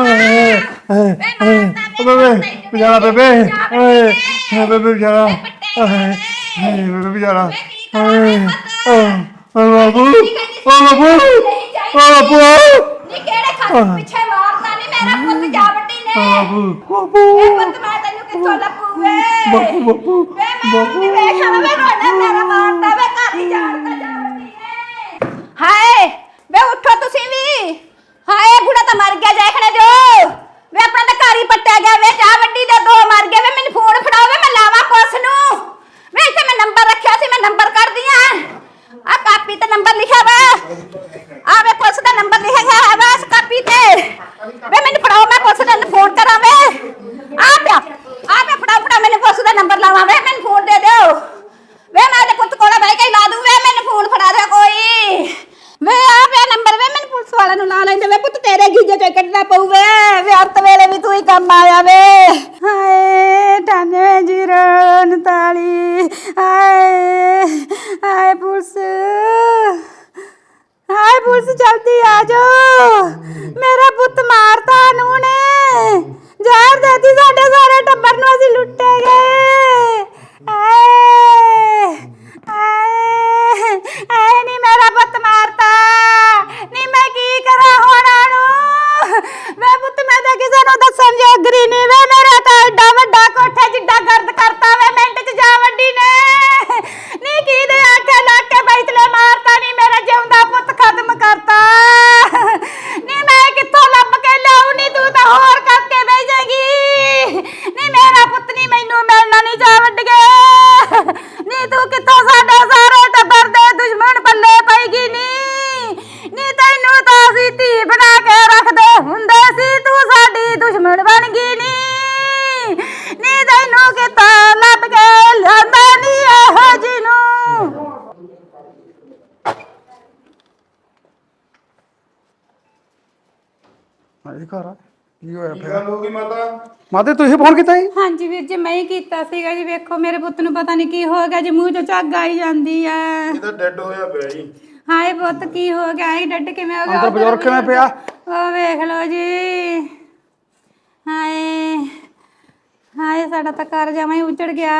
C: ਬੇਬੇ ਵਿਚਾਰਾ ਬੇਬੇ ਓਏ ਬੇਬੇ ਵਿਚਾਰਾ ਬੇਬੇ ਵਿਚਾਰਾ ਓਏ ਬਾਪੂ ਓ ਬਾਪੂ ਓ ਬਾਪੂ
B: ਨੀ ਕਿਹੜੇ ਖੱਤ ਪਿੱਛੇ ਮਾਰਦਾ ਨੀ ਮੇਰਾ ਪੁੱਤ ਜਾ ਵੱਡੀ ਨੇ।
C: ਬਾਪੂ
B: ਏ ਪੁੱਤ ਮੈਂ ਤੈਨੂੰ ਕਿੱਥੋਂ ਲੱਭੂ ਵੇ?
C: ਬਾਪੂ ਬਾਪੂ
B: ਵੇ ਮੈਂ ਨਹੀਂ ਵੇਖਾਂ ਵੇ ਰੋਣਾ ਮੇਰਾ ਮਾਰਦਾ ਵੇ ਘਰ ਦੀ ਜਾਣਦਾ ਜਾ ਵੱਡੀ ਨੇ। ਹਾਏ ਵੇ ਉੱਠੋ ਤੁਸੀਂ ਵੀ। ਹਾਏ ਬੁੜਾ ਤਾਂ ਮਰ ਗਿਆ ਦੇਖਣੇ ਜੋ। ਵੇ ਆਪਣਾ ਤਾਂ ਘਰ ਹੀ ਪੱਟਿਆ ਗਿਆ ਵੇ ਜਾ ਵੱਡੀ ਦੇ ਦੋ ਮਰ ਗਏ ਵੇ। ਮੈਨੂੰ ਫੋਨ ਫੜਾਓ ਵੇ ਮੈਂ ਲਾਵਾਂ ਪੁਲਿਸ ਨੂੰ। ਵੇ ਇੱਥੇ ਮੈਂ ਨੰਬਰ ਰੱਖਿਆ ਸੀ, ਮੈਂ ਨੰਬਰ ਕੱਢਦੀ ਆ। ਆ ਕਾਪੀ ਤੇ ਨੰਬਰ ਲਿਖਿਆ ਵਾ। ਆ ਵੇ ਪੁਲਿਸ ਦਾ ਨੰਬਰ ਲਿਖਿਆ ਹੈ ਵਾ ਇਸ ਕਾਪੀ ਤੇ। ਵੇ ਮੈਨੂੰ ਫੜਾਓ ਮੈਂ ਪੁਲਿਸ ਨੂੰ ਫੋਨ ਕਰਾਂ ਵੇ। ਆ ਪਿਆ ਆ ਪਿਆ ਫੜਾਓ ਫੜਾਓ ਮੈਨੂੰ ਪੁਲਿਸ ਦਾ ਨੰਬਰ ਲਾਵਾਂ ਵੇ। ਮੈਨੂੰ ਫੋਨ ਦੇ ਦਿਓ ਵੇ। ਮੈਂ ਤੇ ਪੁੱਤ ਕੋਲ ਬਹਿ ਕੇ ਲਾ ਦੂੰ ਵੇ। ਮੈਨੂੰ ਫੋਨ ਫੜਾ ਦੇ ਕੋਈ ਵੇ। ਆ ਪਿਆ ਨੰਬਰ ਵੇ। ਮੈਨੂੰ ਪੁਲਿਸ ਵਾਲਿਆਂ ਨੂੰ ਲਾ ਲੈਂਦੇ ਵੇ। ਪੁੱਤ ਤੇਰੇ ਗੀਜੇ ਚੋਂ ਕੱਢਣਾ ਪਊ ਵੇ। ਵੇ ਅੰਤ ਵੇਲੇ ਵੀ ਤੂੰ ਹੀ ਕੰਮ ਆਇਆ ਵੇ। ਹਾਏ ਅਠਾਨਵੇਂ ਜ਼ੀਰੋ ਉਨਤਾਲੀ ਹਾਏ ਹਾਏ ਪੁਲਿਸ ਹਾਏ ਪੁਲਿਸ ਜਲਦੀ ਆ ਜਾਓ। ਮੇਰਾ ਪੁੱਤ ਮਾਰਤਾ ਨੂੰ ਨੇ। ਜ਼ਹਿਰ ਦੇਤੀ ਸਾਡੇ ਸਾਰੇ ਟੱਬਰ ਨੂੰ, ਅਸੀਂ ਲੁੱਟੇ ਗਏ। ਆਏ ਆਏ ਆਏ ਨੀ ਮੇਰਾ ਪੁੱਤ ਮਾਰਤਾ। ਨੀ ਮੈਂ ਕੀ ਕਰਾਂ ਹੁਣ ਨੂੰ? ਵੇ ਪੁੱਤ ਮੈਂ ਤਾਂ ਕਿਸੇ ਨੂੰ ਦੱਸਣ ਜੋਗਰੀ ਨਹੀਂ ਵੇ। ਮੇਰਾ ਤਾਂ ਐਡਾ ਵੱਡਾ ਕੋਠਾ ਜਿੱਡਾ ਗਰਦ ਕਰਤਾ ਵੇ ਮਿੰਟ ਚ ਜਾ ਵੱਡੀ ਨੇ। ਨੀ ਕੀ ਦੇ ਆਖੇ ਲਾ ਕੇ ਬੈਤਲੇ ਮਾਰਤਾ। ਨੀ ਮੇਰਾ ਜਿਉਂਦਾ ਪੁੱਤ ਖਤਮ ਕਰਤਾ। ਨੀ ਮੈਂ ਕਿੱਥੋਂ ਲੱਭ ਕੇ ਲਿਆਉ? ਨੀ ਤੂੰ ਤਾਂ ਹੋਰ ਕਰਕੇ ਬਹਿ ਜਾਏਗੀ। ਨੀ ਮੇਰਾ ਪੁੱਤ ਨੀ ਮੈਨੂੰ ਮਿਲਣਾ ਨੀ ਜਾ ਵੱਡ ਗਿਆ। ਨੀ ਤੂੰ ਕਿੱਥੋਂ ਸਾਡੇ ਸਾਰੇ ਟੱਬਰ ਦੇ ਦੁਸ਼ਮਣ ਪੱਲੇ ਪਏਗੀ ਨੀ। ਨੀ ਤੈਨੂੰ ਤਾਂ ਅਸੀਂ ਧੀ ਬਣਾ ਕੇ ਰੱਖਦੇ ਹੁੰਦੇ ਸੀ, ਤੂੰ ਸਾਡੀ ਦੁਸ਼ਮਣ ਬਣ ਗਈ ਨੀ। ਨੀ ਤੈਨੂੰ ਕਿੱਥੋਂ ਲੱਭ
E: ਕੀ ਹੋਇਆ
D: ਕੀ
E: ਫਿਰ
D: ਗੱਲ ਹੋ ਗਈ ਮਾਤਾ?
E: ਮਾਤੇ ਤੁਸੀਂ ਫੋਨ ਕੀਤਾ ਜੀ?
F: ਹਾਂਜੀ ਵੀਰ ਜੀ ਮੈਂ ਹੀ ਕੀਤਾ ਸੀਗਾ ਜੀ। ਵੇਖੋ ਮੇਰੇ ਪੁੱਤ ਨੂੰ ਪਤਾ ਨਹੀਂ ਕੀ ਹੋ ਗਿਆ ਜੀ, ਮੂੰਹ ਚੋਂ ਝੱਗ ਆਈ ਜਾਂਦੀ ਆ।
D: ਇਹ ਤਾਂ ਡੈੱਡ ਹੋਇਆ ਪਿਆ ਜੀ।
F: ਹਾਏ ਪੁੱਤ ਕੀ ਹੋ ਗਿਆ, ਇਹ ਡੱਡ ਕਿਵੇਂ ਹੋ ਗਿਆ?
E: ਅੰਦਰ ਬਜ਼ੁਰਗ ਕਿਵੇਂ ਪਿਆ?
F: ਉਹ ਵੇਖ ਲਓ ਜੀ। ਹਾਏ ਹਾਏ ਸਾਡਾ ਤਾਂ ਘਰ ਜਮਾਂ ਹੀ ਉਜੜ ਗਿਆ।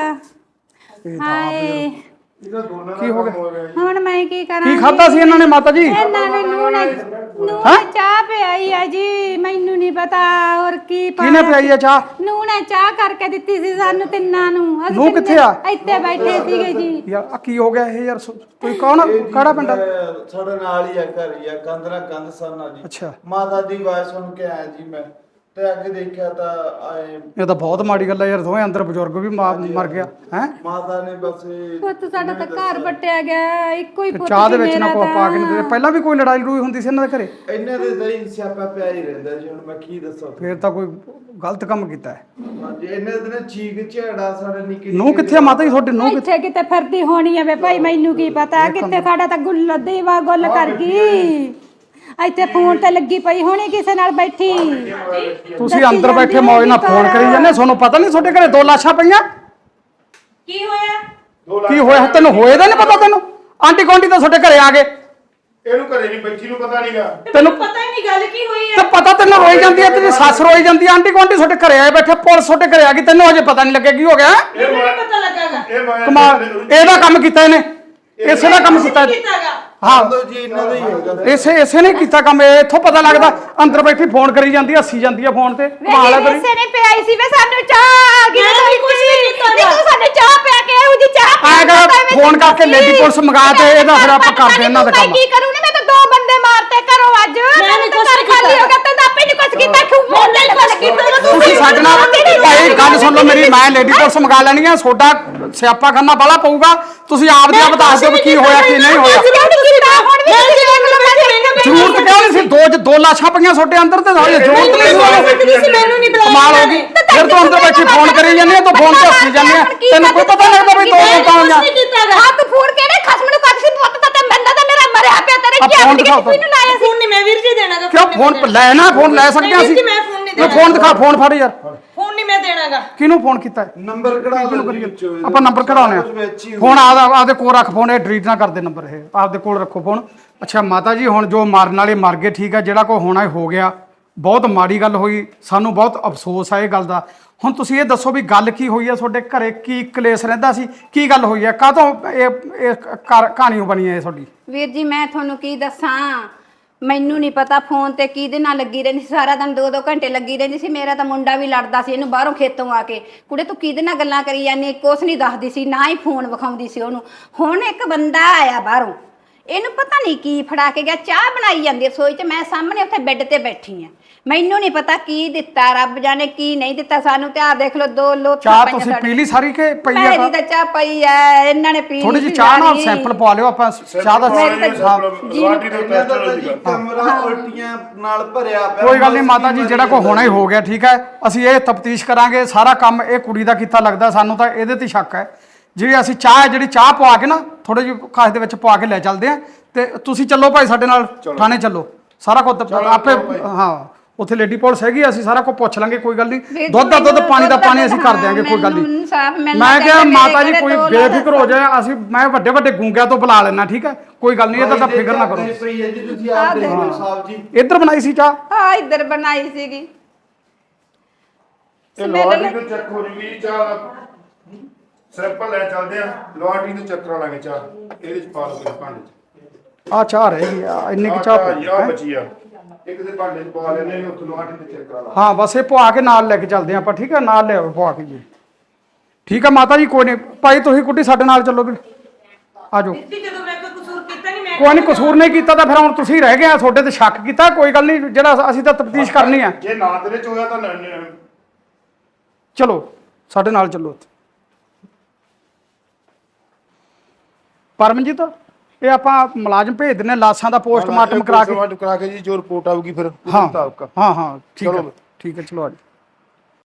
F: ਹਾਏ
D: ਇਹਦਾ ਦੋਨਾਂ ਦਾ
E: ਕੀ ਹੋ
D: ਕੰਮ
E: ਗਿਆ?
D: ਹੋ ਗਿਆ ਜੀ।
F: ਹੁਣ ਮੈਂ ਕੀ ਕਰਾਂ?
E: ਕੀ ਖਾਦਾ ਸੀ ਇਹਨਾਂ ਨੇ ਮਾਤਾ ਜੀ?
F: ਇਹਨਾਂ ਨੇ ਨੂਨ ਨੂਨ ਚਾਹ ਪਿਆਈ ਆ ਜੀ, ਮੈਨੂੰ ਨਹੀਂ ਪਤਾ ਹੋਰ ਕੀ
E: ਕਿਹਨੇ ਪਿਆਈ ਆ ਚਾਹ?
F: ਨੂਨ ਚਾਹ ਕਰਕੇ ਦਿੱਤੀ ਸੀ ਸਾਨੂੰ ਤਿੰਨਾਂ ਨੂੰ। ਅਸੀਂ
E: ਨੂੰਹ
F: ਤਿੰਨੇ
E: ਕਿੱਥੇ ਆ?
F: ਇੱਥੇ ਬੈਠੇ ਸੀਗੇ ਜੀ।
E: ਯਾਰ ਆ ਕੀ ਹੋ ਗਿਆ ਇਹ ਯਾਰ? ਸੋ- ਕੋਈ ਕੌਣ ਕਿਹੜਾ ਪਿੰਡ ਆ?
G: ਸਾਡੇ ਨਾਲ ਹੀ ਆ ਘਰ ਹੀ ਆ, ਕੰਧ ਨਾਲ ਕੰਧ ਸਰਨਾ ਜੀ।
E: ਅੱਛਾ
G: ਮਾਤਾ ਦੀ ਆਵਾਜ਼ ਸੁਣ ਕੇ ਆਇਆ ਜੀ ਮੈਂ, ਤੇ ਅੱਗੇ ਦੇਖਿਆ ਤਾਂ ਆਏ
E: ਇਹ ਤਾਂ ਬਹੁਤ ਮਾੜੀ ਗੱਲ ਹੈ ਯਾਰ, ਦੋਵੇਂ ਅੰਦਰ ਬਜ਼ੁਰਗ ਵੀ ਮਾ- ਮਰ ਗਿਆ ਹੈ।
G: ਮਾਤਾ ਨੇ ਬਸ ਇਹ
F: ਪੁੱਤ ਸਾਡਾ ਤਾਂ ਘਰ ਪੱਟਿਆ ਗਿਆ, ਇੱਕੋ ਹੀ ਪੁੱਤ
E: ਚਾਹ ਦੇ
F: ਸੀ
E: ਵਿੱਚ ਨਾ
F: ਮੇਰਾ
E: ਕੋ ਪਾ ਕੇ ਨਹੀਂ
F: ਤਾਂ।
E: ਦੇ। ਪਹਿਲਾਂ ਵੀ ਕੋਈ ਲੜਾਈ ਲੜੂਈ ਹੁੰਦੀ ਸੀ ਇਹਨਾਂ ਦੇ ਘਰੇ?
G: ਇਹਨਾਂ ਦੇ ਤਾਂ ਹੀ ਸਿਆਪਾ ਪਿਆ ਹੀ ਰਹਿੰਦਾ ਜੀ। ਹੁਣ ਮੈਂ ਕੀ ਦੱਸਾਂ
E: ਫੇਰ ਤਾਂ ਕੋਈ ਗਲਤ ਕੰਮ ਕੀਤਾ ਹੈ।
G: ਹਾਂਜੀ, ਇਹਨਾਂ ਦੇ ਨਾ ਚੀਕ ਝੇੜਾ ਸਾਡੇ ਨਿੱਕੇ
E: ਨੂੰਹ ਕਿੱਥੇ ਆ ਮਾਤਾ ਜੀ ਤੁਹਾਡੀ? ਨੂੰਹ ਕਿੱਥੇ?
F: ਇੱਥੇ ਕਿਤੇ ਫਿਰਦੀ ਹੋਣੀ ਆ ਵੇ ਭਾਈ, ਮੈਨੂੰ ਕੀ ਪਤਾ ਕਿੱਥੇ। ਸਾਡਾ ਤਾਂ ਗੁੱਲ ਦੇਵਾ ਗੁੱਲ ਕਰ ਗਈ। ਇੱਥੇ ਫੋਨ ਤੇ ਲੱਗੀ ਪਈ ਹੋਣੀ ਕਿਸੇ ਨਾਲ ਬੈਠੀ।
E: ਤੁਸੀਂ ਅੰਦਰ ਬੈਠੇ ਮੌਜ ਨਾਲ ਫੋਨ ਕਰੀ ਜਾਂਦੇ, ਤੁਹਾਨੂੰ ਪਤਾ ਨਹੀਂ ਤੁਹਾਡੇ ਘਰੇ ਦੋ ਲਾਸ਼ਾਂ ਪਈਆਂ?
A: ਕੀ ਹੋਇਆ?
E: ਕੀ ਹੋਇਆ ਤੈਨੂੰ? ਹੋਏ ਦਾ ਨਹੀਂ ਪਤਾ ਤੈਨੂੰ? ਆਂਟੀ ਕੌਂਟੀ ਤਾਂ ਤੁਹਾਡੇ ਘਰੇ ਆ ਗਏ,
D: ਇਹਨੂੰ ਘਰੇ ਨਹੀਂ ਬੱਚੀ ਨੂੰ ਪਤਾ ਨਹੀਂਗਾ।
E: ਤੈਨੂੰ
A: ਪਤਾ ਹੀ ਨਹੀਂ ਗੱਲ ਕੀ ਹੋਈ
E: ਤੇ ਪਤਾ ਤੈਨੂੰ ਰੋਈ ਜਾਂਦੀ ਹੈ, ਤੇਰੀ ਸੱਸ ਰੋਈ ਜਾਂਦੀ ਹੈ, ਆਂਟੀ ਕੌਂਟੀ ਤੁਹਾਡੇ ਘਰੇ ਆਏ ਬੈਠੇ, ਪੁਲਿਸ ਤੁਹਾਡੇ ਘਰੇ ਆ ਗਈ, ਤੈਨੂੰ ਅਜੇ ਪਤਾ ਨਹੀਂ ਲੱਗਿਆ ਕੀ ਹੋ ਗਿਆ?
D: ਇਹ ਮੈਂ
A: ਪਤਾ ਲੱਗਾਗਾ
D: ਇਹ ਮੈਂ
E: ਕਮਾਲ, ਇਹਦਾ ਕੰਮ ਕੀਤਾ ਇਹਨੇ, ਇਸੇ ਦਾ ਕੰਮ ਕੀਤਾ।
A: ਕੀਤਾਗਾ
E: ਹਾਂ
G: ਲੋ ਜੀ, ਇਹਨਾਂ ਦਾ ਹੀ ਹੋਗਾ।
E: ਇਸੇ ਇਸੇ ਨੇ ਕੀਤਾ ਕੰਮ। ਇਹ ਇੱਥੋਂ ਪਤਾ ਲੱਗਦਾ ਅੰਦਰ ਬੈਠੀ ਫੋਨ ਕਰੀ ਜਾਂਦੀ ਹੈ, ਹੱਸੀ ਜਾਂਦੀ ਹੈ ਫੋਨ ਤੇ। ਕਮਾਲ ਹੈ ਤੇਰੀ।
B: ਇਸੇ ਨੇ ਪਿਆਈ ਸੀ ਵੇ ਸਾਨੂੰ ਚਾਹ। ਕਿਹਨੇ ਤਾਂ ਕੁਝ ਨਹੀਂ ਕੀਤਾ। ਨਹੀਂ ਤੂੰ ਸਾਨੂੰ ਚਾਹ ਪਿਆ ਕੇ ਇਹੋ ਜੀ ਚਾਹ
E: ਆਇਆ ਕਰ ਫੋਨ ਕਰਕੇ ਲੇਡੀ ਪੁਲਿਸ ਮੰਗਾ ਤੇ ਇਹਦਾ ਫਿਰ ਆਪਾਂ ਕਰਦੇ ਇਹਨਾਂ ਦਾ ਕੰਮ।
B: ਕੀ ਕਰੂੰਗੀ ਮੈਂ ਤਾਂ ਦੋ ਬੰਦੇ ਮਾਰਤੇ ਘਰੋਂ ਅੱਜ।
A: ਮੈਂ ਨੀ ਕੁਛ
B: ਘਰ ਖਾਲੀ
A: ਕੀਤਾ।
B: ਹੋ ਗਿਆ ਤੇ ਆਪੇ ਨਹੀਂ ਕੁਝ ਕੀਤਾ। ਖੂ
A: ਮੈਂ ਨੀ ਕੁਛ ਕੀਤਾ।
E: ਤੁਸੀਂ ਸਾਡੇ ਨਾਲ ਭਾਈ ਗੱਲ ਸੁਣ ਲਓ ਮੇਰੀ, ਮੈਂ ਲੇਡੀ ਪੁਲਿਸ ਮੰਗਾ ਲੈਣੀ ਆ। ਤੁਹਾਡਾ ਸਿਆਪਾ ਖਾਨਾ ਬਾਲਾ ਪਊਗਾ। ਤੁਸੀਂ ਆਪ ਦੀ ਆਪ ਦੱਸ ਦਿਓ ਵੀ ਕੀ ਹੋਇਆ ਕੀ ਨਹੀਂ ਹੋਇਆ। ਜ਼ਰੂਰਤ ਕਿਉਂ ਨਹੀਂ ਸੀ? ਦੋ ਦੋ ਲਾਸ਼ਾਂ ਪਈਆਂ ਤੁਹਾਡੇ ਅੰਦਰ ਤੇ ਸਾਰੀ ਜ਼ਰੂਰਤ ਨਹੀਂ ਸੀ।
A: ਮੈਨੂੰ ਨਹੀਂ ਬੁਲਾਇਆ।
E: ਕਮਾਲ ਹੋ ਗਈ। ਫਿਰ ਤੂੰ ਅੰਦਰ ਬੈਠੀ ਫੋਨ ਕਰੀ ਜਾਂਦੀ ਹੈ, ਤੂੰ ਫੋਨ ਤੇ ਹੱਸੀ ਜਾਂਦੀ ਹੈ, ਤੈਨੂੰ ਕੋਈ ਪਤਾ ਨਹੀਂ ਲੱਗਦਾ ਵੀ ਦੋ ਲੋਕਾਂ ਹੋਈਆਂ।
B: ਹੱਥ ਫੂੜ ਕੇ ਨੇ ਖਸਮ ਨੂੰ ਕੱਢ ਸੀ ਪੁੱਤ ਤਾਂ ਤੇ ਬੰਦਾ ਤਾਂ ਮੇਰਾ ਮਰਿਆ ਪਿਆ ਤੇਰੇ
E: ਆ
B: ਕੀ
E: ਫੋਨ
B: ਆਪਣੀ
E: ਦਿਖਾਓ
B: ਕਿਸੇ ਨੂੰ ਲਾਇਆ ਸੀ।
A: ਫੋਨ ਨਹੀਂ ਮੈਂ ਵੀਰ ਜੀ ਦੇਣਾਗਾ।
E: ਕਿਉਂ ਫੋਨ ਲੈਣਾ? ਫੋਨ ਲੈ ਸਕਦੇ ਹਾਂ ਅਸੀਂ।
A: ਨਹੀਂ, ਮੈਂ ਫੋਨ ਨਹੀਂ
E: ਮੈਂ
A: ਦੇਣਾ।
E: ਫੋਨ ਦਿਖਾ, ਫੋਨ ਫੜ ਯਾਰ।
A: ਫੋਨ ਨਹੀਂ ਮੈਂ ਦੇਣਾਗਾ।
E: ਕਿਹਨੂੰ ਫੋਨ ਕੀਤਾ ਹੈ?
G: ਨੰਬਰ ਕਢਾ ਲਓ ਜੀ ਵਿੱਚੋਂ ਇਹਦੇ।
E: ਆਪਾਂ ਨੰਬਰ ਕਢਾਉਣੇ
G: ਕੁਛ ਵਿੱਚ ਹੀ
E: ਆ। ਫੋਨ ਆਦਾ ਆਪਦੇ ਕੋਲ ਰੱਖ, ਫੋਨ ਇਹ ਡਿਲੀਟ ਨਾ ਕਰਦੇ ਨੰਬਰ, ਇਹ ਆਪਦੇ ਕੋਲ ਰੱਖੋ ਫੋਨ। ਅੱਛਾ ਮਾਤਾ ਜੀ, ਹੁਣ ਜੋ ਮਾਰਨ ਵਾਲੇ ਮਰ ਗਏ, ਠੀਕ ਹੈ, ਜਿਹੜਾ ਕੋ ਹੋਣਾ ਹੋ ਗਿਆ, ਬਹੁਤ ਮਾੜੀ ਗੱਲ ਹੋਈ, ਸਾਨੂੰ ਬਹੁਤ ਅਫਸੋਸ ਆ ਇਹ ਗੱਲ ਦਾ। ਹੁਣ ਤੁਸੀਂ ਇਹ ਦੱਸੋ ਵੀ ਗੱਲ ਕੀ ਹੋਈ ਹੈ ਤੁਹਾਡੇ ਘਰੇ? ਕੀ ਕਲੇਸ਼ ਰਹਿੰਦਾ ਸੀ? ਕੀ ਗੱਲ ਹੋਈ ਹੈ? ਕਾਹਤੋਂ ਇਹ ਇਹ ਕਾਰ- ਕਹਾਣੀ ਬਣੀ ਹੈ ਤੁਹਾਡੀ?
B: ਵੀਰ ਜੀ ਮੈਂ ਤੁਹਾਨੂੰ ਕੀ ਦੱਸਾਂ, ਮੈਨੂੰ ਨਹੀਂ ਪਤਾ ਫੋਨ ਤੇ ਕਿਹਦੇ ਨਾਲ ਲੱਗੀ ਰਹਿੰਦੀ ਸੀ। ਸਾਰਾ ਦਿਨ ਦੋ ਦੋ ਘੰਟੇ ਲੱਗੀ ਰਹਿੰਦੀ ਸੀ। ਮੇਰਾ ਤਾਂ ਮੁੰਡਾ ਵੀ ਲੜਦਾ ਸੀ ਇਹਨੂੰ ਬਾਹਰੋਂ ਖੇਤੋਂ ਆ ਕੇ, ਕੁੜੇ ਤੂੰ ਕਿਹਦੇ ਨਾਲ ਗੱਲਾਂ ਕਰੀ ਜਾਂਦੀ, ਕੁਛ ਨਹੀਂ ਦੱਸਦੀ ਸੀ, ਨਾ ਹੀ ਫੋਨ ਵਿਖਾਉਂਦੀ ਸੀ ਉਹਨੂੰ। ਹੁਣ ਇੱਕ ਬੰਦਾ ਆਇਆ ਬਾਹਰੋਂ, ਇਹਨੂੰ ਪਤਾ ਨਹੀਂ ਕੀ ਫੜਾ ਕੇ ਗਿਆ, ਚਾਹ ਬਣਾਈ ਜਾਂਦੀ ਰਸੋਈ 'ਚ, ਮੈਂ ਸਾਹਮਣੇ ਉੱਥੇ ਬੈੱਡ ਤੇ ਬੈਠੀ ਆ। ਮੈਨੂੰ ਨਹੀਂ ਪਤਾ ਕੀ ਦਿੱਤਾ, ਰੱਬ ਜਾਣੇ ਕੀ ਨਹੀਂ ਦਿੱਤਾ ਸਾਨੂੰ। ਤੇ ਆ ਦੇਖ ਲਓ ਦੋ ਲੋਥਾਂ
E: ਚਾਹ
B: ਪਈਆਂ
E: ਤੁਸੀਂ
B: ਸਾਡੇ।
E: ਪੀ ਲਈ ਸਾਰੀ ਕਿ ਪਈ ਆ?
B: ਮੇਰੀ ਤਾਂ ਚਾਹ ਪਈ ਐ, ਇਹਨਾਂ ਨੇ ਪੀ ਲਈ
E: ਥੋੜੀ ਜਿਹੀ
B: ਸੀ
E: ਚਾਹ ਨਾਲ
B: ਸਾਰੀ।
E: ਸੈਂਪਲ ਪਵਾ ਲਿਓ ਆਪਾਂ ਚਾਹ ਦਾ।
D: ਲਾਟੀ ਦਾ
G: ਇਹਨਾਂ ਦਾ ਤਾਂ ਜੀ
D: ਟੈਸਟ
G: ਕਮਰਾ ਉਲਟੀਆਂ ਨਾਲ ਭਰਿਆ ਪਿਆ।
E: ਕੋਈ ਗੱਲ ਨਹੀਂ ਮਾਤਾ ਜੀ, ਜਿਹੜਾ ਕੋ ਹੋਣਾ ਹੀ ਹੋ ਗਿਆ, ਠੀਕ ਹੈ। ਅਸੀਂ ਇਹ ਤਫਤੀਸ਼ ਕਰਾਂਗੇ। ਸਾਰਾ ਕੰਮ ਇਹ ਕੁੜੀ ਦਾ ਕੀਤਾ ਲੱਗਦਾ, ਸਾਨੂੰ ਤਾਂ ਇਹਦੇ ਤੇ ਸ਼ੱਕ ਹੈ। ਜਿਹੜੀ ਅਸੀਂ ਚਾਹ ਹੈ, ਜਿਹੜੀ ਚਾਹ ਪਵਾ ਕੇ ਨਾ ਥੋੜੇ ਜਿਹੀ ਖਾਸ ਦੇ ਵਿੱਚ ਪਵਾ ਕੇ ਲੈ ਚੱਲਦੇ ਆ। ਤੇ ਤੁਸੀਂ ਚੱਲੋ ਭਾਈ ਸਾਡੇ ਨਾਲ ਥਾਣੇ ਚੱਲੋ। ਸਾਰਾ ਕੁਝ ਆਪੇ, ਹਾਂ ਉੱਥੇ ਲੇਡੀ ਪੁਲਿਸ ਹੈਗੀ, ਅਸੀਂ ਸਾਰਾ ਕੁਝ ਪੁੱਛ ਲਾਂਗੇ, ਕੋਈ ਗੱਲ ਨਹੀਂ। ਦੁੱਧ ਦਾ ਦੁੱਧ, ਪਾਣੀ ਦਾ ਪਾਣੀ ਅਸੀਂ ਕਰ ਦਿਆਂਗੇ, ਕੋਈ ਗੱਲ ਨਹੀਂ। ਮੈਂ ਕਿਹਾ ਮਾਤਾ ਜੀ ਕੋਈ ਬੇਫਿਕਰ ਹੋ ਜਾਏ, ਅਸੀਂ ਮੈਂ ਵੱਡੇ ਵੱਡੇ ਗੂੰਗਿਆਂ ਤੋਂ ਬੁਲਾ ਲੈਣਾ, ਠੀਕ ਹੈ, ਕੋਈ ਗੱਲ ਨਹੀਂ, ਇਹਦਾ ਤਾਂ ਫਿਕਰ ਨਾ ਕਰੋ।
G: ਪਈ ਹੈ ਜੀ, ਤੁਸੀਂ ਆਪ ਦੇਖ ਲਓ ਸਾਹਿਬ ਜੀ।
E: ਇੱਧਰ ਬਣਾਈ ਸੀ ਚਾਹ?
B: ਹਾਂ ਇੱਧਰ ਬਣਾਈ ਸੀਗੀ।
D: ਇਹ ਲੋਹਾਟੀ ਤੋਂ ਚੈੱਕ ਹੋ ਜੂਗੀ ਚਾਹ। ਸੈਂਪਲ ਲੈ ਚੱਲਦੇ ਆ, ਲੋਹਾਟੀ ਤੋਂ ਚੈੱਕ ਕਰਾ ਲਾਂਗੇ ਚਾਹ। ਇਹਦੇ ਚ ਪਾ ਲਓ ਭਾਂਡੇ ਚ।
E: ਆ ਚਾਹ ਰਹਿ ਗਈ ਆ, ਇੰਨੀ ਕਿ ਚਾਹ ਪਈ
D: ਆ
E: ਹੈ।
D: ਬਚੀ ਆ, ਇੱਕ ਦੇ ਭਾਂਡੇ ਚ ਪਾ ਲੈਣੇ ਨੇ, ਉੱਥੇ ਲੋਹਾਟੀ ਤੇ ਚੈੱਕ ਕਰਾ ਲਾ।
E: ਹਾਂ ਬਸ ਇਹ ਪਵਾ ਕੇ ਨਾਲ ਲੈ ਕੇ ਚੱਲਦੇ ਆਪਾਂ, ਠੀਕ ਹੈ, ਨਾਲ ਲਿਆਓ ਪਵਾ ਕੇ ਜੀ। ਠੀਕ ਹੈ ਮਾਤਾ ਜੀ, ਕੋਈ ਨਹੀਂ ਭਾਈ, ਤੁਸੀਂ ਕੁੱਟੀ ਸਾਡੇ ਨਾਲ ਚੱਲੋ ਵੀ, ਆ ਜਾਓ।
A: ਜਦੋਂ ਮੈਂ ਕੋਈ ਕਸੂਰ ਕੀਤਾ ਨਹੀਂ, ਮੈਂ
E: ਕੋਈ ਨਹੀਂ, ਕਸੂਰ ਨਹੀਂ ਕੀਤਾ ਤਾਂ ਫਿਰ ਹੁਣ ਤੁਸੀਂ ਰਹਿ ਗਏ ਆ, ਤੁਹਾਡੇ ਤੇ ਸ਼ੱਕ ਕੀਤਾ, ਕੋਈ ਗੱਲ ਨਹੀਂ, ਜਿਹੜਾ ਅਸੀਂ ਤਾਂ ਤਫਤੀਸ਼ ਕਰਨੀ ਆ।
D: ਜੇ ਨਾ ਤੇਰੇ ਚ ਹੋਇਆ ਤਾਂ ਨ- ਨ-
E: ਚਲੋ ਸਾਡੇ ਨਾਲ ਚੱਲੋ। ਪਰਮਜੀਤ, ਇਹ ਆਪਾਂ ਮੁਲਾਜ਼ਮ ਭੇਜ ਦਿੰਨੇ, ਲਾਸ਼ਾਂ ਦਾ ਪੋਸਟਮਾਰਟਮ ਕਰਾ ਕੇ।
D: ਪੋਸਟਮਾਰਟਮ ਕਰਾ ਕੇ ਜੀ ਜੋ ਰਿਪੋਰਟ ਆਊਗੀ ਫਿਰ ਉਹਦੇ
E: ਹਾਂ
D: ਮੁਤਾਬਕ।
E: ਹਾਂ ਹਾਂ ਠੀਕ ਹੈ,
D: ਚਲੋ।
E: ਠੀਕ ਹੈ, ਚਲੋ ਆ ਜਾਓ।